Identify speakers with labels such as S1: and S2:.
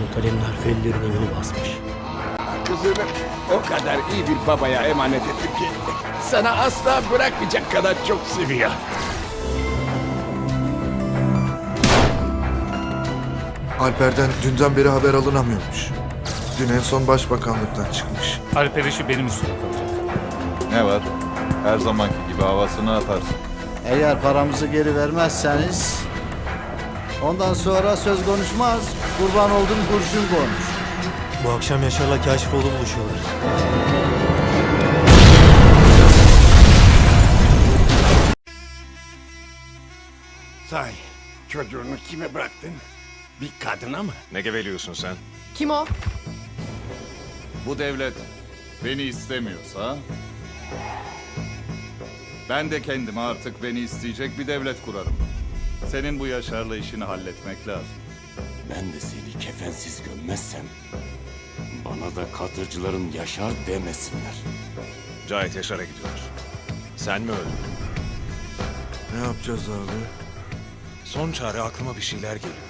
S1: Muhtarem'in harfi ellerine yolu basmış.
S2: Kızını o kadar iyi bir babaya emanet ettim ki sana asla bırakmayacak kadar çok seviyor.
S3: Alper'den dünden beri haber alınamıyormuş. Dün en son başbakanlıktan çıkmış.
S4: Alper işi benim üstüme kalacak.
S5: Ne var? Her zamanki gibi havasını atarsın.
S6: Eğer paramızı geri vermezseniz ondan sonra söz konuşmaz. Kurban oldum kurşun konuş.
S1: Bu akşam Yaşar'la Kaşifoğlu buluşuyorlar.
S2: Say, çocuğunu kime bıraktın? Bir kadına mı?
S7: Ne geveliyorsun sen?
S8: Kim o?
S5: Bu devlet beni istemiyorsa... ben de kendime artık beni isteyecek bir devlet kurarım. Senin bu Yaşar'la işini halletmek lazım.
S9: Ben de seni kefensiz gömmezsem bana da katırcıların Yaşar demesinler.
S7: Cahit Yaşar'a gidiyoruz. Sen mi öldün?
S3: Ne yapacağız abi?
S7: Son çare aklıma bir şeyler geliyor.